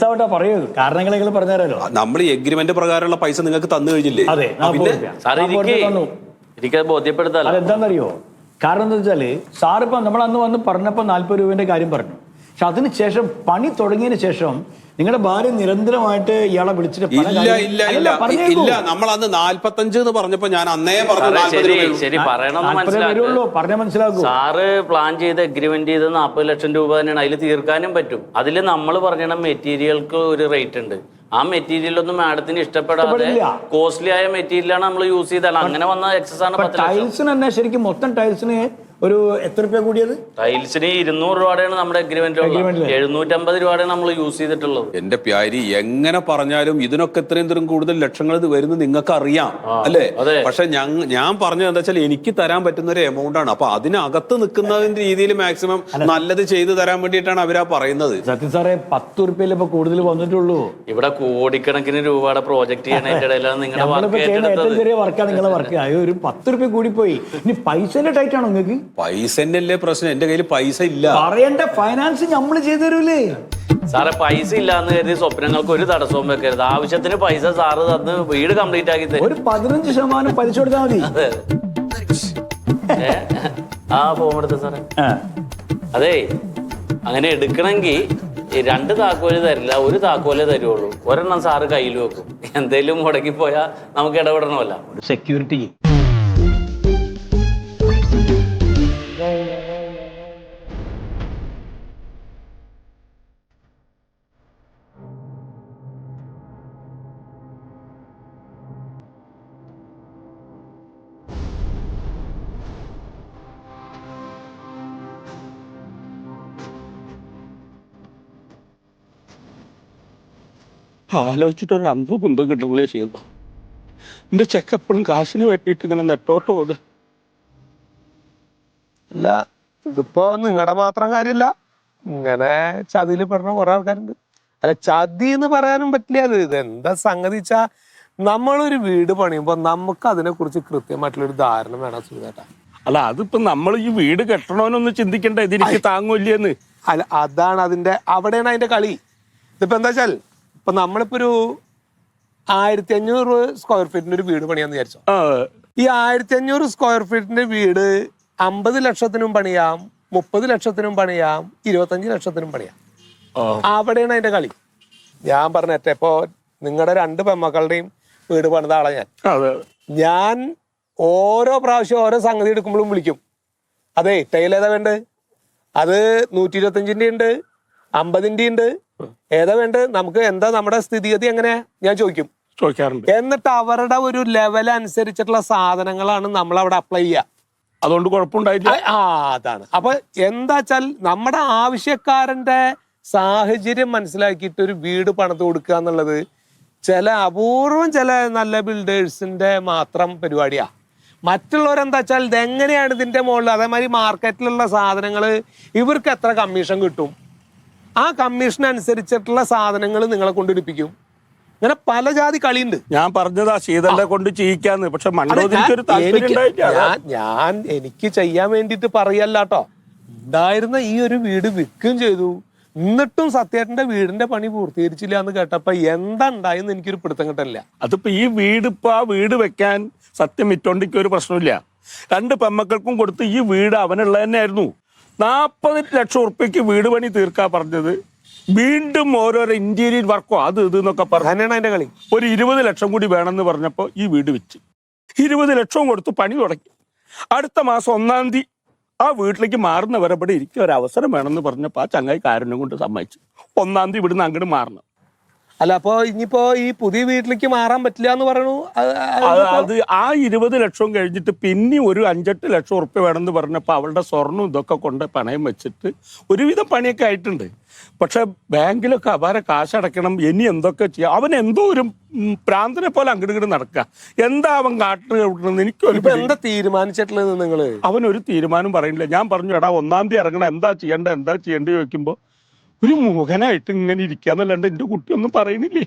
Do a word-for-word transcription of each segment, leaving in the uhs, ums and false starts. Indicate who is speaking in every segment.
Speaker 1: പറയൂ കാരണങ്ങൾ പറഞ്ഞാലോ.
Speaker 2: നമ്മൾ ഈ എഗ്രിമെന്റ് പ്രകാരമുള്ള പൈസ നിങ്ങൾക്ക് തന്നു കഴിഞ്ഞില്ലേ?
Speaker 1: അതെ,
Speaker 3: എനിക്കത് ബോധ്യപ്പെടുത്താം.
Speaker 1: അതെന്താണെന്നറിയോ? കാരണം എന്താ വെച്ചാല് സാറിപ്പോ നമ്മൾ അന്ന് വന്ന് പറഞ്ഞപ്പോ നാല്പത് രൂപന്റെ കാര്യം പറഞ്ഞു. പക്ഷെ അതിന് ശേഷം പണി തുടങ്ങിയതിന് ശേഷം നിങ്ങളുടെ ഭാര്യ നിരന്തരമായിട്ട് ഇയാളെ വിളിച്ചിട്ട്
Speaker 2: ഇല്ല ഇല്ല ഇല്ല ഇല്ല നമ്മൾ അന്ന് നാല്പത്തഞ്ച് എന്ന് പറഞ്ഞപ്പോ ഞാൻ അന്നേ
Speaker 3: ശരി പറയണമെന്ന്
Speaker 1: പറഞ്ഞ മനസ്സിലാക്കൂ.
Speaker 3: സാറ് പ്ലാൻ ചെയ്ത് അഗ്രിമെന്റ് ചെയ്ത് നാൽപ്പത് ലക്ഷം രൂപ തന്നെയാണ്. അതിൽ തീർക്കാനും പറ്റും. അതിൽ നമ്മൾ പറഞ്ഞ മെറ്റീരിയൽക്ക് ഒരു റേറ്റ് ഉണ്ട്. ആ മെറ്റീരിയൽ ഒന്നും മാഡത്തിന് ഇഷ്ടപ്പെടാതെ കോസ്റ്റ്ലി ആയ മെറ്റീരിയലാണ് നമ്മൾ യൂസ് ചെയ്താൽ അങ്ങനെ വന്ന എക്സസ് ആണ്.
Speaker 1: ടൈൽസിന് തന്നെ ശരിക്കും മൊത്തം ടൈൽസിന് ഒരു എത്ര രൂപ കൂടിയത്?
Speaker 3: ടൈൽസിന് ഇരുന്നൂറ് രൂപയാണ് നമ്മുടെ അഗ്രിമെന്റ്, എഴുന്നൂറ്റമ്പത് രൂപയാണ് നമ്മൾ യൂസ് ചെയ്തിട്ടുള്ളത്.
Speaker 2: എന്റെ പ്യാരി എങ്ങനെ പറഞ്ഞാലും ഇതിനൊക്കെ ഇത്രയും തരം കൂടുതൽ ലക്ഷങ്ങൾ ഇത് വരുന്നത് നിങ്ങൾക്ക് അറിയാം അല്ലേ? പക്ഷെ ഞാൻ പറഞ്ഞത് എന്താ വെച്ചാൽ എനിക്ക് തരാൻ പറ്റുന്ന ഒരു എമൗണ്ട് ആണ്. അപ്പൊ അതിനകത്ത് നിൽക്കുന്നതിന്റെ രീതിയിൽ മാക്സിമം നല്ലത് ചെയ്തു തരാൻ വേണ്ടിയിട്ടാണ് അവരാ പറയുന്നത്.
Speaker 1: സത്യം സാറേ, പത്ത് റുപ്യയിൽ ഇപ്പൊ കൂടുതൽ വന്നിട്ടുള്ളൂ.
Speaker 3: ഇവിടെ കോടിക്കണക്കിന് രൂപയുടെ പ്രോജക്ട് ചെയ്യണതിന്റെ ഇടയിലാണ് നിങ്ങളുടെ
Speaker 1: ചെറിയ വർക്കാണ് നിങ്ങളെ വർക്ക്. ഒരു പത്ത് റുപ്യ കൂടി പോയി. ഇനി പൈസന്റെ ടൈറ്റ് ആണോ നിങ്ങൾക്ക്?
Speaker 2: പൈസന്നല്ലേ പ്രശ്നം. എന്റെ കയ്യിൽ പൈസ ഇല്ല.
Speaker 1: പറയണ്ട, ഫൈനാൻസ് നമ്മൾ ചെയ്തു തരൂലേ
Speaker 3: സാറെ. പൈസ ഇല്ലാന്ന് കരുതി സ്വപ്നങ്ങൾക്ക് ഒരു തടസ്സവും വെക്കരുത്. ആവശ്യത്തിന് പൈസ സാറ് തന്ന് വീട് കംപ്ലീറ്റ് ആക്കി തരും.
Speaker 1: ഒരു പതിനഞ്ച് ശതമാനം പലിശ കൊടുത്താൽ മതി.
Speaker 3: ആ ഫോം എടുത്ത സാറേ. അതെ, അങ്ങനെ എടുക്കണമെങ്കിൽ രണ്ട് താക്കോല് തരില്ല, ഒരു താക്കോലേ തരുള്ളൂ. ഒരെണ്ണം സാറ് കയ്യിൽ വെക്കും. എന്തേലും മുടക്കി പോയാൽ നമുക്ക് ഇടപെടണമല്ല.
Speaker 1: സെക്യൂരിറ്റി
Speaker 4: ആലോചിച്ചിട്ട് ഒരു അമ്പ് കുന്തം കിട്ടുമ്പോഴേ ചെയ്യുന്നു. എന്റെ ചെക്ക് എപ്പോഴും കാശിന് വേണ്ടിയിട്ട് ഇങ്ങനെ നെട്ടോട്ട് പോകും.
Speaker 5: അല്ല, ഇതിപ്പോ നിങ്ങളുടെ മാത്രം കാര്യമില്ല, ഇങ്ങനെ ചതിയിൽ പെടുന്ന കുറെ ആൾക്കാരുണ്ട്. അല്ല, ചതി എന്ന് പറയാനും പറ്റില്ല. അത് ഇതെന്താ സംഗതി വെച്ചാ, നമ്മളൊരു വീട് പണിയുമ്പോ നമുക്ക് അതിനെ കുറിച്ച് കൃത്യമായിട്ടുള്ളൊരു ധാരണ വേണം സുഖേട്ടാ.
Speaker 4: അല്ല, അതിപ്പോ നമ്മൾ ഈ വീട് കെട്ടണോന്നൊന്ന് ചിന്തിക്കണ്ട, ഇതിലേക്ക് താങ്ങൂല്ലേന്ന്.
Speaker 5: അല്ല, അതാണ് അതിന്റെ അവിടെയാണ് അതിന്റെ കളി. ഇതിപ്പോ എന്താ വെച്ചാൽ, ഇപ്പൊ നമ്മളിപ്പോ ഒരു ആയിരത്തി അഞ്ഞൂറ് സ്ക്വയർ ഫീറ്റിന്റെ ഒരു വീട് പണിയാന്ന് വിചാരിച്ചോ. ഈ ആയിരത്തി അഞ്ഞൂറ് സ്ക്വയർ ഫീറ്റിന്റെ വീട് അമ്പത് ലക്ഷത്തിനും പണിയാം, മുപ്പത് ലക്ഷത്തിനും പണിയാം, ഇരുപത്തഞ്ച് ലക്ഷത്തിനും പണിയാം. അവിടെയാണ് അതിന്റെ കളി. ഞാൻ പറഞ്ഞേറ്റ ഇപ്പൊ നിങ്ങളുടെ രണ്ട് പെമ്മക്കളുടെയും വീട് പണിത ആളെ ഞാൻ ഞാൻ ഓരോ പ്രാവശ്യം ഓരോ സംഗതി എടുക്കുമ്പോഴും വിളിക്കും. അതെ, ടൈൽ ഏതാ വേണ്ടത്? അത് നൂറ്റി ഇരുപത്തഞ്ചിന്റെ ഉണ്ട്, അമ്പതിന്റെ ഉണ്ട്, ഏതാ വേണ്ടത്? നമുക്ക് എന്താ നമ്മുടെ സ്ഥിതിഗതി എങ്ങനെയാ ഞാൻ ചോദിക്കും,
Speaker 4: ചോദിക്കാറുണ്ട്.
Speaker 5: എന്നിട്ട് അവരുടെ ഒരു ലെവൽ അനുസരിച്ചിട്ടുള്ള സാധനങ്ങളാണ് നമ്മൾ അവിടെ അപ്ലൈ ചെയ്യുക.
Speaker 4: അതുകൊണ്ട് കുഴപ്പമുണ്ടായില്ല.
Speaker 5: ആ, അതാണ്. അപ്പൊ എന്താ വെച്ചാൽ നമ്മുടെ ആവശ്യക്കാരന്റെ സാഹചര്യം മനസ്സിലാക്കിയിട്ട് ഒരു വീട് പണിത് കൊടുക്കുക എന്നുള്ളത് ചില അപൂർവം ചില നല്ല ബിൽഡേഴ്സിന്റെ മാത്രം പരിപാടിയാ. മറ്റുള്ളവരെന്താ വെച്ചാൽ ഇതെങ്ങനെയാണ് ഇതിന്റെ മുകളിൽ, അതേമാതിരി മാർക്കറ്റിലുള്ള സാധനങ്ങൾ ഇവർക്ക് എത്ര കമ്മീഷൻ കിട്ടും, ആ കമ്മീഷൻ അനുസരിച്ചിട്ടുള്ള സാധനങ്ങൾ നിങ്ങളെ കൊണ്ടിരിപ്പിക്കും. ഇങ്ങനെ പല ജാതി കളിയുണ്ട്.
Speaker 4: ഞാൻ പറഞ്ഞതാ ശീതളിനെ കൊണ്ട് ചെയ്യിക്കാന്ന്. പക്ഷെ
Speaker 5: ഞാൻ എനിക്ക് ചെയ്യാൻ വേണ്ടിട്ട് പറയല്ലാട്ടോ. ഉണ്ടായിരുന്ന ഈ ഒരു വീട് വിൽക്കുകയും ചെയ്തു. എന്നിട്ടും സത്യേട്ടന്റെ വീടിന്റെ പണി പൂർത്തീകരിച്ചില്ല എന്ന് കേട്ടപ്പോ എന്താ ഉണ്ടായെന്ന് എനിക്കൊരു പിടുത്തം കിട്ടില്ല.
Speaker 4: അതിപ്പോ ഈ വീട് ഇപ്പൊ ആ വീട് വെക്കാൻ സത്യം മിറ്റോണ്ടിക്ക് ഒരു പ്രശ്നമില്ല. രണ്ട് പെമ്മക്കൾക്കും കൊടുത്ത് ഈ വീട് അവനുള്ള തന്നെ ആയിരുന്നു. നാപ്പത് ലക്ഷം ഉറുപ്പ്യക്ക് വീട് പണി തീർക്കാ പറഞ്ഞത്. വീണ്ടും ഓരോരോ ഇന്റീരിയർ വർക്കോ അത് ഇത് എന്നൊക്കെ പറഞ്ഞു
Speaker 5: അതിന്റെ കളി.
Speaker 4: ഒരു ഇരുപത് ലക്ഷം കൂടി വേണമെന്ന് പറഞ്ഞപ്പോ ഈ വീട് വെച്ച് ഇരുപത് ലക്ഷവും കൊടുത്ത് പണി തുടങ്ങി. അടുത്ത മാസം ഒന്നാം തീയതി ആ വീട്ടിലേക്ക് മാറുന്ന വരെ ഇവിടെ ഇരിക്കും ഒരു അവസരം വേണമെന്ന് പറഞ്ഞപ്പോ ആ ചങ്ങായി കാരുണ്യം കൊണ്ട് സമ്മതിച്ചു. ഒന്നാം തീയതി ഇവിടുന്ന് അങ്ങോട്ട് മാറണം.
Speaker 5: അല്ല, അപ്പൊ ഇനിയിപ്പോ ഈ പുതിയ വീട്ടിലേക്ക് മാറാൻ പറ്റില്ല എന്ന് പറയണു.
Speaker 4: അത് ആ ഇരുപത് ലക്ഷം കഴിഞ്ഞിട്ട് പിന്നെ ഒരു അഞ്ചെട്ട് ലക്ഷം ഉറുപ്പ്യ വേണമെന്ന് പറഞ്ഞപ്പോ അവളുടെ സ്വർണ്ണം ഇതൊക്കെ കൊണ്ട് പണയം വെച്ചിട്ട് ഒരുവിധം പണിയൊക്കെ ആയിട്ടുണ്ട്. പക്ഷെ ബാങ്കിലൊക്കെ അപാര കാശടക്കണം. ഇനി എന്തൊക്കെ ചെയ്യാം. അവൻ എന്തോ ഒരു പ്രാന്തനെ പോലെ അങ്ങോട്ട് ഇങ്ങോട്ട് നടക്കുക. എന്താ അവൻ കാട്ടുന്നത് എനിക്കൊരു
Speaker 5: എന്താ തീരുമാനിച്ചിട്ടുള്ളത് നിങ്ങള്?
Speaker 4: അവൻ ഒരു തീരുമാനം പറയില്ല. ഞാൻ പറഞ്ഞു, എടാ ഒന്നാം തീയതി ഇറങ്ങണം, എന്താ ചെയ്യണ്ട എന്താ ചെയ്യേണ്ടി ചോദിക്കുമ്പോ ഒരു മോഹനായിട്ട് ഇങ്ങനെ ഇരിക്കാന്നല്ലാണ്ട് എന്റെ കുട്ടിയൊന്നും പറയുന്നില്ലേ.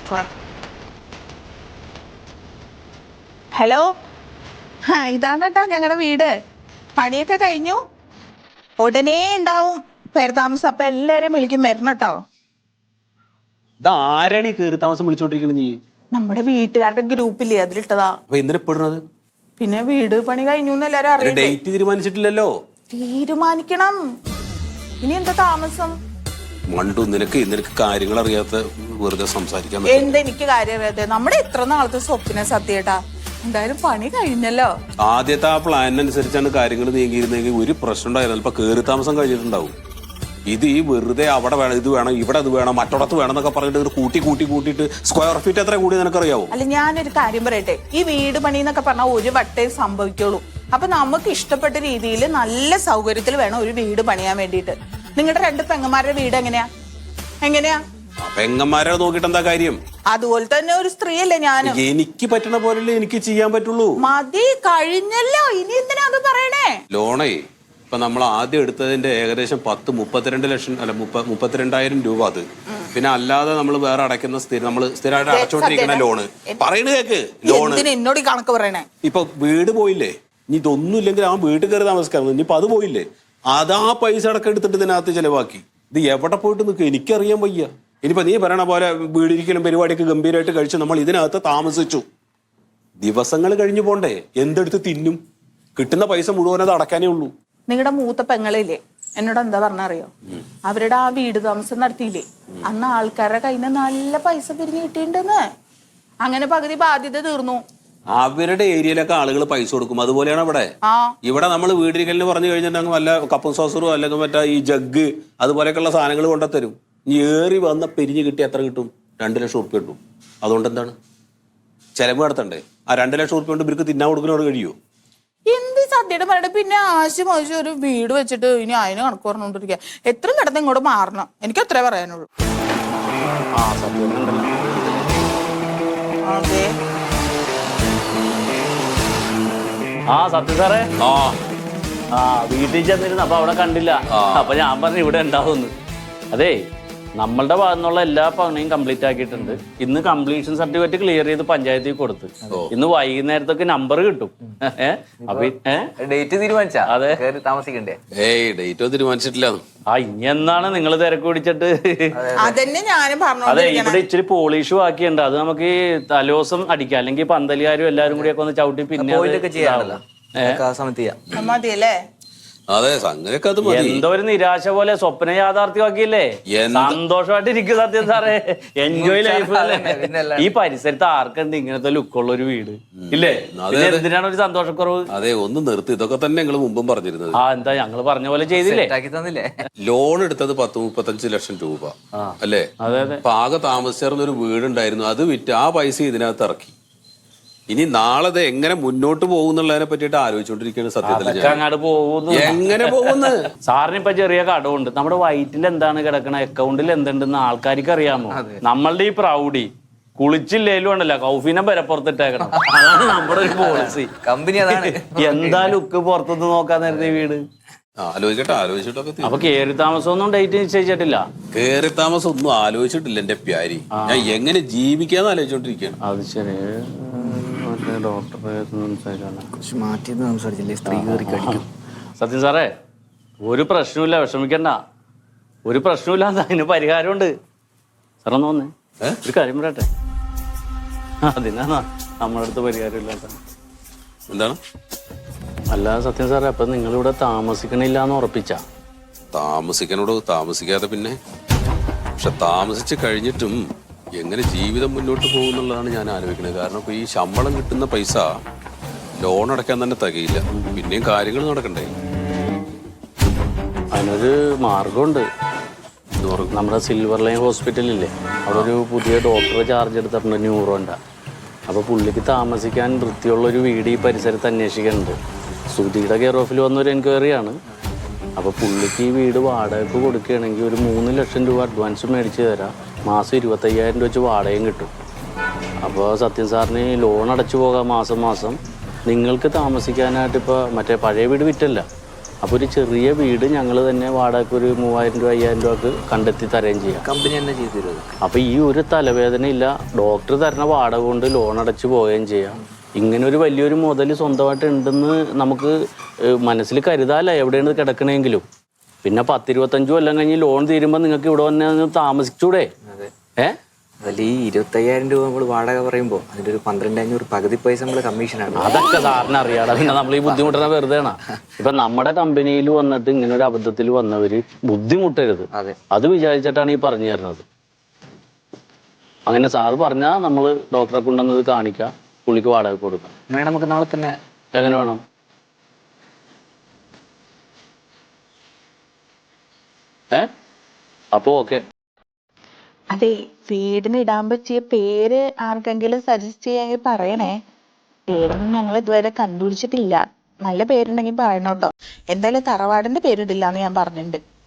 Speaker 6: ഹലോ, ആ ഇതാണ് കേട്ടോ ഞങ്ങളുടെ വീട്. പണിയൊക്കെ കഴിഞ്ഞു, ഉടനെ ഉണ്ടാവും പേരതാമസം. അപ്പൊ എല്ലാരും വിളിക്കും വരണം കേട്ടോ.
Speaker 2: ആരാണ് ഈ കയറി താമസം വിളിച്ചോണ്ടിരിക്കുന്നത് നീ?
Speaker 6: നമ്മുടെ വീട്ടുകാരുടെ ഗ്രൂപ്പില്ലേ, അതിലിട്ടതാ.
Speaker 2: അപ്പൊ എന്തിനാ പെടുന്നത്?
Speaker 6: പിന്നെ വീട് പണി കഴിഞ്ഞു എന്ന് എല്ലാരും അറിയാം.
Speaker 2: ഡേറ്റ് തീരുമാനിച്ചിട്ടില്ലല്ലോ.
Speaker 6: തീരുമാനിക്കണം. ഇനി എന്താ താമസം?
Speaker 2: മണ്ടു, നിനക്ക് നിനക്ക് കാര്യങ്ങൾ അറിയാത്ത വെറുതെ സംസാരിക്കാൻ
Speaker 6: എന്തെനിക്ക് കാര്യം അറിയാത്ത? നമ്മുടെ ഇത്ര നാളത്തെ സ്വപ്ന സത്യേട്ടാ. എന്തായാലും പണി കഴിഞ്ഞല്ലോ.
Speaker 2: ആദ്യത്തെ ആ പ്ലാനിനനുസരിച്ചാണ് കാര്യങ്ങൾ നീങ്ങിയിരുന്നെങ്കിൽ ഒരു പ്രശ്നം ഉണ്ടായിരുന്നു. ഇപ്പൊ കയറി താമസം കഴിഞ്ഞിട്ടുണ്ടാവും. ഇത് ഈ വെറുതെ അവിടെ വേണം, ഇത് വേണം, ഇവിടെ അത് വേണം, മറ്റോടത്ത് വേണം എന്നൊക്കെ പറഞ്ഞിട്ട് കൂട്ടി കൂട്ടി കൂട്ടിയിട്ട് സ്ക്വയർ ഫീറ്റ് എത്ര കൂടി നിനക്കറിയാവോ?
Speaker 6: അല്ല, ഞാനൊരു കാര്യം പറയട്ടെ. ഈ വീട് പണി എന്നൊക്കെ പറഞ്ഞാൽ ഒരു വട്ടേ സംഭവിക്കുള്ളൂ. അപ്പൊ നമുക്ക് ഇഷ്ടപ്പെട്ട രീതിയിൽ നല്ല സൗകര്യത്തിൽ വേണം ഒരു വീട് പണിയാൻ വേണ്ടിയിട്ട്. നിങ്ങളുടെ രണ്ട് പെങ്ങന്മാരുടെ വീട് എങ്ങനെയാ എങ്ങനെയാ
Speaker 2: പെങ്ങന്മാരെ നോക്കിട്ട് എന്താ കാര്യം?
Speaker 6: അതുപോലെ തന്നെ ഒരു സ്ത്രീയല്ലേ ഞാനും.
Speaker 2: എനിക്ക് പറ്റണ പോലല്ലേ എനിക്ക് ചെയ്യാൻ പറ്റുള്ളൂ.
Speaker 6: മതി, കഴിഞ്ഞല്ലോ. ഇനി എന്തിനാ അത് പറയണേ?
Speaker 2: ലോണേ ഇപ്പൊ നമ്മൾ ആദ്യം എടുത്തതിന്റെ ഏകദേശം പത്ത് മുപ്പത്തിരണ്ട് ലക്ഷം അല്ല മുപ്പ മുപ്പത്തിരണ്ടായിരം രൂപ. അത് പിന്നെ അല്ലാതെ നമ്മൾ വേറെ അടയ്ക്കുന്ന സ്ഥിരം നമ്മൾ സ്ഥിരമായിട്ട് അടച്ചോണ്ടിരിക്കുന്ന ലോണ്. പറയണ കേക്ക്, ലോണ്
Speaker 6: എന്നോട് കണക്ക് പറയണേ.
Speaker 2: ഇപ്പൊ വീട് പോയില്ലേ, ഇനി ഇതൊന്നും ഇല്ലെങ്കിൽ ആ വീട്ടിൽ കയറി താമസിക്കാൻ ഇനിയിപ്പൊ അത് പോയില്ലേ, അതാ പൈസ അടക്കം എടുത്തിട്ട് ഇതിനകത്ത് ചെലവാക്കി. ഇത് എവിടെ പോയിട്ട് നിൽക്കുക എനിക്കറിയാൻ വയ്യ. ഇനിയിപ്പോ നീ പറയണ പോലെ വീടിരിക്കലും പരിപാടിയൊക്കെ ഗംഭീരമായിട്ട് കഴിച്ച് നമ്മൾ ഇതിനകത്ത് താമസിച്ചു. ദിവസങ്ങൾ കഴിഞ്ഞു പോണ്ടേ? എന്തെടുത്ത് തിന്നും? കിട്ടുന്ന പൈസ മുഴുവൻ അത് അടക്കാനേ ഉള്ളൂ.
Speaker 6: നിങ്ങളുടെ മൂത്ത പെങ്ങളില്ലേ എന്നോട് എന്താ പറഞ്ഞറിയോ? അവരുടെ ആ വീട് താമസം നടത്തിയില്ലേ, അന്ന് ആൾക്കാരുടെ കയ്യിൽ നിന്ന് നല്ല പൈസ പിരിഞ്ഞു കിട്ടിയിട്ടുണ്ടെന്ന്. അങ്ങനെ പകുതി ബാധ്യത തീർന്നു.
Speaker 2: അവരുടെ ഏരിയയിലൊക്കെ ആളുകൾ പൈസ കൊടുക്കും. അതുപോലെയാണ് ഇവിടെ. ഇവിടെ നമ്മൾ വീടിരിക്കലിന് പറഞ്ഞു കഴിഞ്ഞിട്ടുണ്ടെങ്കിൽ വല്ല കപ്പും സോസറും അല്ലെങ്കിൽ മറ്റേ ഈ ജഗ് അതുപോലെയൊക്കെയുള്ള സാധനങ്ങൾ കൊണ്ടുത്തരും. ഇനി ഏറി വന്ന പിരിഞ്ഞ് കിട്ടി എത്ര കിട്ടും? രണ്ട് ലക്ഷം ഉറുപ്പ്യ കിട്ടും. അതുകൊണ്ട് എന്താണ് ചെലവ് നടത്തണ്ടേ? ആ രണ്ട് ലക്ഷം ഉറുപ്പ്യ കൊണ്ട് ഇവർക്ക് തിന്നാൻ കൊടുക്കുന്നവർ കഴിയുമോ?
Speaker 6: എന്ത് സദ്യയുടെ പറയട്ടെ. പിന്നെ ആശയം ആവശ്യം ഒരു വീട് വെച്ചിട്ട് ഇനി അതിന് കണക്ക് പറഞ്ഞോണ്ടിരിക്കുക. എത്രയും കിടന്ന് ഇങ്ങോട്ട് മാറണം. എനിക്ക് അത്രേ പറയാനുള്ളൂ. അതെ.
Speaker 3: ആ സത്യം സാറേ,
Speaker 2: ആ
Speaker 3: ആ വീട്ടിൽ ചെന്നിരുന്നു. അപ്പൊ അവിടെ കണ്ടില്ല. അപ്പൊ ഞാൻ പറഞ്ഞു ഇവിടെ ഉണ്ടാവുമെന്ന്. അതെ, നമ്മളുടെ ഭാഗത്തുനിന്നുള്ള എല്ലാ പണിയും കംപ്ലീറ്റ് ആക്കിയിട്ടുണ്ട്. ഇന്ന് കംപ്ലീഷൻ സർട്ടിഫിക്കറ്റ് ക്ലിയർ ചെയ്ത് പഞ്ചായത്തിൽ കൊടുത്ത് ഇന്ന് വൈകുന്നേരത്തൊക്കെ നമ്പർ കിട്ടും.
Speaker 7: ഡേറ്റ് തീരുമാനിച്ചാ?
Speaker 3: അതെ,
Speaker 7: താമസിക്കണ്ടേ?
Speaker 2: ഏയ് ഡേറ്റ് തീരുമാനിച്ചിട്ടില്ല.
Speaker 3: ആ ഇനി എന്നാണ് നിങ്ങൾ തിരക്ക് പിടിച്ചിട്ട്?
Speaker 6: അതന്നെ ഞാനും പറഞ്ഞു.
Speaker 3: അതെ, ഇവിടെ ഇച്ചിരി പോളിഷ് ബാക്കിയുണ്ട്. അത് നമുക്ക് ഈ തലോസം അടിക്കാം. അല്ലെങ്കിൽ പന്തലുകാരും എല്ലാരും കൂടി ഒക്കെ ഒന്ന് ചവിട്ടി പിന്നെ
Speaker 6: മതിയല്ലേ?
Speaker 5: അതെ, സംഗതിയൊക്കെ അത് മതി.
Speaker 3: എന്തോ ഒരു നിരാശ പോലെ സ്വപ്നം യാഥാർത്ഥ്യമാക്കിയില്ലേ? സന്തോഷമായിട്ട് ഇരിക്കും സത്യം സാറേ. Enjoy life. ഈ പരിസരത്ത് ആർക്കുണ്ട് ഇങ്ങനത്തെ ലുക്കുള്ള ഒരു വീട് ഇല്ലേ? എന്തിനാണ് ഒരു സന്തോഷക്കുറവ്?
Speaker 2: അതെ, ഒന്ന് നിർത്തി. ഇതൊക്കെ തന്നെ ഞങ്ങൾ മുമ്പും പറഞ്ഞിരുന്നത്.
Speaker 3: ആ എന്താ ഞങ്ങള് പറഞ്ഞ പോലെ ചെയ്തില്ലേ?
Speaker 2: ലോൺ എടുത്തത് പത്ത് മുപ്പത്തഞ്ച് ലക്ഷം രൂപ അല്ലേ?
Speaker 3: അതെ അതെ.
Speaker 2: അപ്പൊ ആകെ താമസിച്ചിരുന്ന ഒരു വീടുണ്ടായിരുന്നു, അത് വിറ്റ് ആ പൈസ ഇതിനകത്ത് ഇറക്കി. ഇനി നാളെ എങ്ങനെ മുന്നോട്ട് പോകുന്നുള്ളതിനെ പറ്റിയിട്ട് ആലോചിച്ചോണ്ടിരിക്കുകയാണ് സത്യത്തിൽ.
Speaker 3: അങ്ങോട്ട് പോകുന്നു.
Speaker 2: എങ്ങനെ പോകുന്നു?
Speaker 3: സാറിന് ഇപ്പൊ ചെറിയ കടമുണ്ട്. നമ്മുടെ വയറ്റിൽ എന്താണ് കിടക്കണ, അക്കൗണ്ടിൽ എന്തുണ്ടെന്ന് ആൾക്കാർക്ക് അറിയാമോ? നമ്മളുടെ ഈ പ്രൗഡി കുളിച്ചില്ലേലും ഉണ്ടല്ലോ കൗഫീനെ പരപ്പുറത്തിട്ടേക്കണം. അതാണ് നമ്മുടെ ഒരു പോളിസി.
Speaker 7: കമ്പനി അതാണ്.
Speaker 3: എന്താ ലുക്ക് പുറത്തുനിന്ന് നോക്കാൻ നേരത്തെ വീട്.
Speaker 2: ആലോചിക്കട്ടെ, ആലോചിച്ചിട്ടൊക്കെ.
Speaker 3: അപ്പൊ കേറി താമസം ഒന്നും ഡേറ്റ് നിശ്ചയിച്ചിട്ടില്ല.
Speaker 2: കേറി താമസം ഒന്നും ആലോചിച്ചിട്ടില്ല എന്റെ പ്യാരി. ഞാൻ എങ്ങനെ ജീവിക്കാന്ന് ആലോചിച്ചോണ്ടിരിക്കുകയാണ്.
Speaker 3: അത് ശരി. സത്യം സാറേ, ഒരു പ്രശ്നമില്ല, വിഷമിക്കണ്ട. ഒരു പ്രശ്നമില്ല, അതിന് പരിഹാരമുണ്ട്. സാർ ഒന്ന് വന്നേ, ഒരു കാര്യം പറയട്ടെ. അതിനാ നമ്മുടെ അടുത്ത് പരിഹാരം ഇല്ലാത്ത.
Speaker 2: എന്താണ്?
Speaker 3: അല്ല സത്യം സാറേ, അപ്പൊ നിങ്ങളിവിടെ താമസിക്കണില്ല എന്ന് ഉറപ്പിച്ച?
Speaker 2: താമസിക്കണോട് താമസിക്കാതെ പിന്നെ. പക്ഷെ താമസിച്ച് കഴിഞ്ഞിട്ടും എങ്ങനെ ജീവിതം മുന്നോട്ട് പോകുന്നുള്ളതാണ് ഞാൻ ആലോചിക്കുന്നത്. കാരണം ഇപ്പൊ ഈ ശമ്പളം കിട്ടുന്ന പൈസ ലോൺ അടയ്ക്കാൻ തന്നെ തികയില്ല. പിന്നെയും കാര്യങ്ങൾ നടക്കണ്ടേ?
Speaker 3: അതിനൊരു മാർഗമുണ്ട്. നമ്മുടെ സിൽവർ ലൈൻ ഹോസ്പിറ്റലില്ലേ, അവിടെ ഒരു പുതിയ ഡോക്ടറെ ചാർജ് എടുത്തിട്ടുണ്ട്, ന്യൂറോൻ്റെ. അപ്പോൾ പുള്ളിക്ക് താമസിക്കാൻ വൃത്തിയുള്ളൊരു വീട് ഈ പരിസരത്ത് അന്വേഷിക്കുന്നുണ്ട്. സുധിയുടെ കെയർ ഓഫിൽ വന്നൊരു എൻക്വയറിയാണ്. അപ്പോൾ പുള്ളിക്ക് ഈ വീട് വാടകയ്ക്ക് കൊടുക്കുകയാണെങ്കിൽ ഒരു മൂന്ന് ലക്ഷം രൂപ അഡ്വാൻസ് മേടിച്ച് തരാം. മാസം ഇരുപത്തയ്യായിരം രൂപ വെച്ച് വാടകയും കിട്ടും. അപ്പോൾ സത്യം സാറിന് ലോൺ അടച്ചു പോകാം മാസം മാസം. നിങ്ങൾക്ക് താമസിക്കാനായിട്ട് ഇപ്പോൾ മറ്റേ പഴയ വീട് വിറ്റല്ല, അപ്പോൾ ഒരു ചെറിയ വീട് ഞങ്ങൾ തന്നെ വാടകയ്ക്ക് ഒരു മൂവായിരം രൂപ അയ്യായിരം രൂപക്ക് കണ്ടെത്തി തരുകയും ചെയ്യാം.
Speaker 7: കമ്പനി തന്നെ ചെയ്തു തരുമോ?
Speaker 3: അപ്പോൾ ഈ ഒരു തലവേദന ഇല്ല, ഡോക്ടർ തരുന്ന വാടക കൊണ്ട് ലോൺ അടച്ച് പോവുകയും ചെയ്യാം. ഇങ്ങനെ ഒരു വലിയൊരു മുതൽ സ്വന്തമായിട്ട് ഉണ്ടെന്ന് നമുക്ക് മനസ്സിൽ കരുതാല്ല എവിടെയാണ് കിടക്കണമെങ്കിലും. പിന്നെ പത്തിരുപത്തഞ്ചു കൊല്ലം കഴിഞ്ഞ് ലോൺ തീരുമ്പോൾ നിങ്ങൾക്ക് ഇവിടെ വന്ന് താമസിച്ചൂടെ? ഏ
Speaker 7: അതല്ല, ഈ ഇരുപത്തയ്യായിരം രൂപ നമ്മൾ വാടക പറയുമ്പോൾ അതിന്റെ ഒരു പന്ത്രണ്ട് അഞ്ഞൂറ് പകുതി പൈസ നമ്മൾ കമ്മീഷനാണ്.
Speaker 3: അതൊക്കെ സാറിന് അറിയാടാ, പിന്നെ നമ്മൾ ഈ ബുദ്ധിമുട്ടുന്ന വെറുതെയാണ്. ഇപ്പൊ നമ്മുടെ കമ്പനിയിൽ വന്നിട്ട് ഇങ്ങനെ ഒരു അബദ്ധത്തിൽ വന്നവര് ബുദ്ധിമുട്ടരുത്,
Speaker 7: അതെ,
Speaker 3: അത് വിചാരിച്ചിട്ടാണ് ഈ പറഞ്ഞു തരുന്നത്. അങ്ങനെ സാറ് പറഞ്ഞാൽ നമ്മൾ ഡോക്ടറെ കൊണ്ടുവന്നത് കാണിക്കാം, പുള്ളിക്ക് വാടക കൊടുക്കാം.
Speaker 7: വേണം നമുക്ക് നാളെ തന്നെ.
Speaker 3: എങ്ങനെ വേണം? ഏ അപ്പോ ഓക്കെ.
Speaker 6: അതെ, വീടിന് ഇടാൻ പറ്റിയ പേര് ആർക്കെങ്കിലും സജസ്റ്റ് ചെയ്യാമെങ്കിൽ പറയണേ. പേരൊന്നും ഞങ്ങൾ ഇതുവരെ കണ്ടുപിടിച്ചിട്ടില്ല. നല്ല പേരുണ്ടെങ്കിൽ പറയണോട്ടോ. എന്തായാലും തറവാടിന്റെ പേരിടില്ല എന്ന് ഞാൻ പറഞ്ഞിട്ടുണ്ട്.